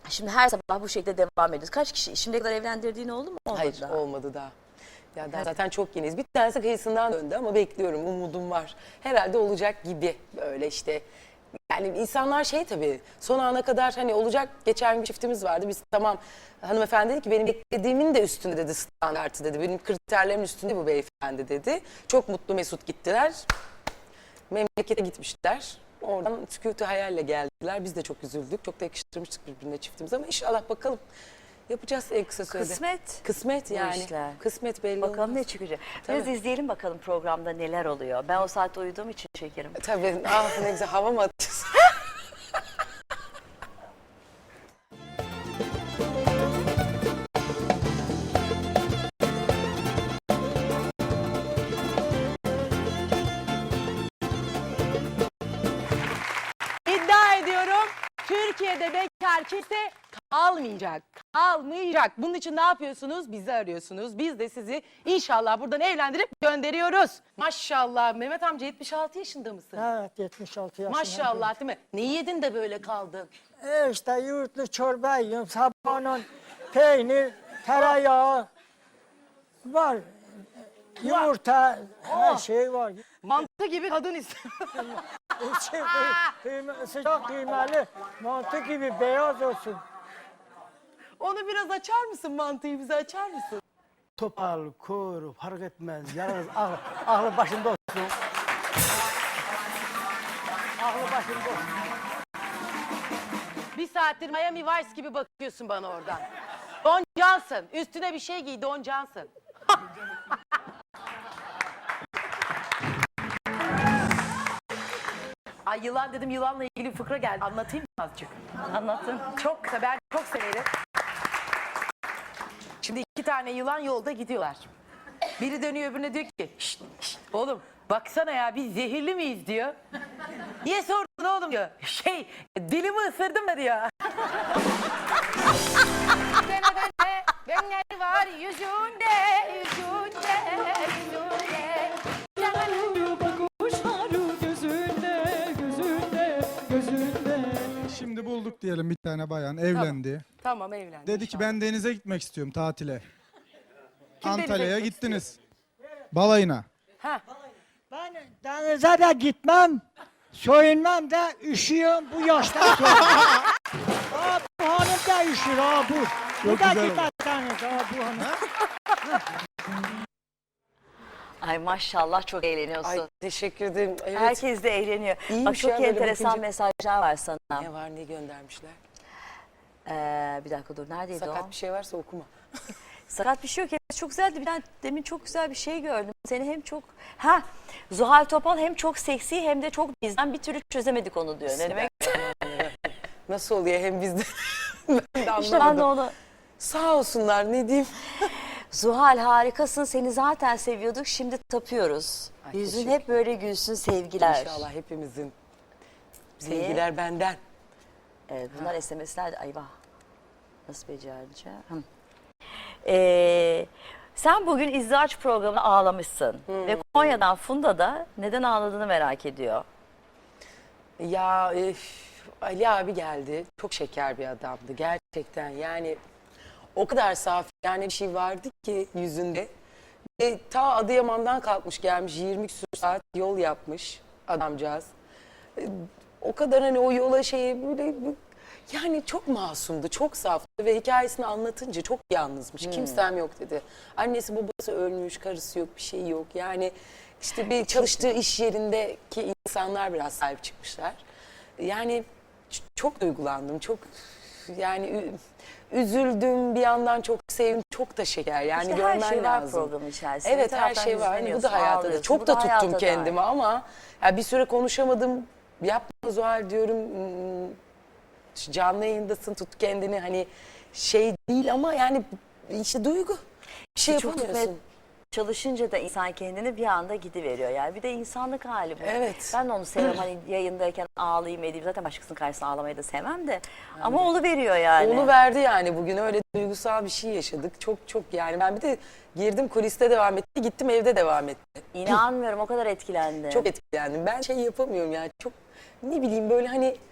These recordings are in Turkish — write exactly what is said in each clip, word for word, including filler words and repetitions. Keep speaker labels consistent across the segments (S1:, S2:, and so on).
S1: Şimdi her sabah bu şekilde devam ediyoruz. Kaç kişi? Şimdiye kadar evlendirdiğin oldu mu? Olmadı
S2: Hayır
S1: daha.
S2: olmadı daha. Ya daha zaten çok yeniyiz. Bir tanesi kıyısından döndü ama bekliyorum, umudum var. Herhalde olacak gibi böyle işte. Yani insanlar şey tabii son ana kadar hani olacak, geçen bir çiftimiz vardı. Biz tamam, hanımefendi dedi ki benim beklediğimin de üstünde dedi, standartı dedi. Benim kriterlerimin üstünde bu beyefendi dedi. Çok mutlu mesut gittiler. Memlekete gitmişler. Oradan sükutu hayalle geldiler. Biz de çok üzüldük. Çok da yakıştırmıştık birbirine çiftimiz ama inşallah bakalım. Yapacağız en kısa sürede.
S1: Kısmet.
S2: Kısmet yani.
S1: işler.
S2: Kısmet belli
S1: Bakalım
S2: olmaz.
S1: ne çıkacak.
S2: Tabii.
S1: Biraz izleyelim bakalım programda neler oluyor. Ben o saatte uyuduğum için şekerim.
S2: Tabii. Ah ne güzel, hava mı atıyorsun?
S3: İddia ediyorum Türkiye'de bekar kimse kalmayacak. Kalmayacak. Bunun için ne yapıyorsunuz? Bizi arıyorsunuz. Biz de sizi inşallah buradan evlendirip gönderiyoruz. Maşallah. Mehmet amca yetmiş altı yaşında mısın?
S4: Evet, yetmiş altı yaşında.
S3: Maşallah, değil mi? Ne yedin de böyle kaldın?
S4: E işte yoğurtlu çorba yiyorum. Sabahın peynir, tereyağı var. Yumurta, her şey var.
S3: Mantı gibi kadın istiyor.
S4: İçi kıyma, sıcak kıymalı, mantı gibi beyaz olsun.
S3: Onu biraz açar mısın, mantıyı bize açar mısın?
S4: Topal, kuru, fark etmez. Yalnız aklı, aklı başında olsun. Aklı başında olsun.
S3: Bir saattir Miami Vice gibi bakıyorsun bana oradan. Don Johnson. Üstüne bir şey giy, Don Johnson. Ay yılan dedim, yılanla ilgili bir fıkra geldi. Anlatayım mı azıcık?
S1: Anlatın.
S3: Çok kısa, ben çok severim. Şimdi iki tane yılan yolda gidiyorlar. Biri dönüyor öbürüne diyor ki, şşt, şşt, oğlum baksana ya biz zehirli miyiz diyor. Niye sordun oğlum diyor. Şey, dilimi ısırdım da diyor. Gönler var yüzünde, yüzünde, yüzünde.
S5: Şimdi bulduk diyelim bir tane bayan evlendi.
S3: Tamam evlendim.
S5: Dedi ki ben denize gitmek istiyorum tatile.
S3: Kim denize
S5: Antalya'ya
S3: gitmek
S5: gittiniz. Balayına.
S3: Ha.
S4: Ben denize de gitmem, soyunmam da üşüyorum bu yaştan sonra. Aa, bu hanım da üşür ha bu. Bu da
S5: güzel
S4: gitmez denize ha bu hanım.
S1: Ay maşallah çok eğleniyorsun.
S2: Ay teşekkür ederim. Evet.
S1: Herkes de eğleniyor.
S2: İyiymiş
S1: Bak çok
S2: ya, böyle
S1: enteresan
S2: bakınca.
S1: mesajlar var sana.
S2: Ne var, ne göndermişler?
S1: Ee, bir dakika dur neredeydi
S2: Sakat
S1: o?
S2: bir şey varsa okuma.
S1: Sakat bir şey yok. Evet, çok güzeldi. Bir tane demin çok güzel bir şey gördüm. Seni hem çok... Ha, Zuhal Topal hem çok seksi hem de çok bizden bir türlü çözemedik onu diyor. Ne demek?
S2: Nasıl oluyor hem bizde? Ben de anlamadım.
S1: İşte ben de onu...
S2: Sağ olsunlar, ne diyeyim?
S1: Zuhal harikasın. Seni zaten seviyorduk. Şimdi tapıyoruz.
S2: Ay,
S1: Yüzün
S2: teşekkür
S1: hep böyle gülsün, sevgiler.
S2: İnşallah hepimizin. Sevgiler benden.
S1: Evet, bunlar S M S'ler de... Ayvah. Nasıl becereceğim? Hı. Ee, sen bugün izdivaç programına ağlamışsın. Ve Konya'dan Funda da neden ağladığını merak ediyor.
S2: Ya e, Ali abi geldi. Çok şeker bir adamdı gerçekten. Yani o kadar saf yani bir şey vardı ki yüzünde. E, ta Adıyaman'dan kalkmış gelmiş, yirmi küsur saat yol yapmış adamcağız. E, o kadar hani o yola şeye böyle yani çok masumdu, çok saftı ve hikayesini anlatınca çok yalnızmış. Kimsem yok dedi. Annesi babası ölmüş, karısı yok, bir şey yok. Yani işte bir çalıştığı iş yerindeki insanlar biraz sahip çıkmışlar. Yani ç- çok duygulandım, çok yani ü- üzüldüm, bir yandan çok sevdim, çok da şeker. Yani
S1: İşte
S2: görmen
S1: her şey var
S2: lazım.
S1: programın içerisinde.
S2: Evet
S1: Bir
S2: her
S1: taraftan
S2: şey var. Hani bu
S1: hüzünleniyorsun,
S2: da hayatta da.
S1: ağlıyorsun.
S2: Çok
S1: Bu
S2: da
S1: da hayatta
S2: tuttum
S1: da
S2: kendimi
S1: var.
S2: ama ya bir süre konuşamadım. Yapma Zuhal diyorum. hmm, Canlı yayındasın, tut kendini, hani şey değil ama yani işte duygu. Bir şey
S1: Çok
S2: yapamıyorsun.
S1: çalışınca da insan kendini bir anda gidiveriyor. Yani bir de insanlık hali bu.
S2: Evet.
S1: Ben de onu sevmem. Hani yayındayken ağlayayım edeyim. Zaten başkasının karşısında ağlamayı da sevmem de. Ama onu veriyor yani.
S2: Onu verdi yani, bugün öyle duygusal bir şey yaşadık. Çok çok yani ben bir de girdim, kuliste devam etti, gittim evde devam etti.
S1: İnanmıyorum, o kadar etkilendim.
S2: Çok etkilendim. Ben şey yapamıyorum yani, çok ne bileyim böyle hani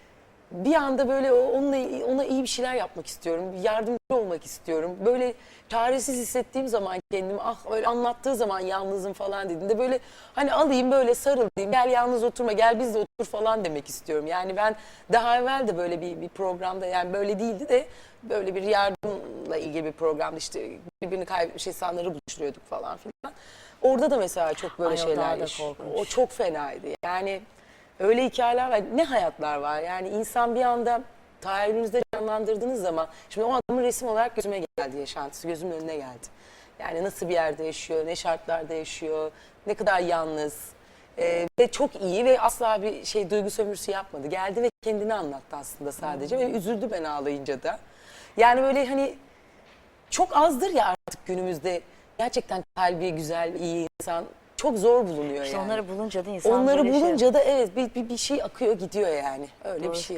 S2: bir anda böyle o- onunla ona iyi bir şeyler yapmak istiyorum. Yardımcı olmak istiyorum. Böyle çaresiz hissettiğim zaman kendimi, ah öyle anlattığı zaman yalnızım falan dediğinde böyle hani alayım böyle sarılayım. Gel yalnız oturma, gel biz de otur falan demek istiyorum. Yani ben daha evvel de böyle bir, bir programda, yani böyle değildi de böyle bir yardımla ilgili bir programda işte birbirini kaybetmiş insanları buluşturuyorduk falan filan. Orada da mesela çok böyle
S1: Ay, o
S2: şeyler
S1: daha da
S2: yaş-
S1: korkunç.
S2: O çok fenaydı. Yani öyle hikayeler var. Ne hayatlar var. Yani insan bir anda tahayyülünüzde canlandırdığınız zaman, şimdi o adamın resim olarak gözüme geldi, yaşantısı gözümün önüne geldi. Yani nasıl bir yerde yaşıyor, ne şartlarda yaşıyor, ne kadar yalnız. Ee, ve çok iyi ve asla bir şey duygu sömürüsü yapmadı. Geldi ve kendini anlattı aslında sadece ve üzüldü ben ağlayınca da. Yani böyle hani çok azdır ya artık günümüzde gerçekten kalbi güzel, iyi insan. Çok zor bulunuyor
S1: İşte
S2: yani.
S1: onları bulunca da insan
S2: Onları
S1: böyle şey-
S2: bulunca da evet bir, bir, bir şey akıyor gidiyor yani. Öyle
S1: Doğru.
S2: bir şey.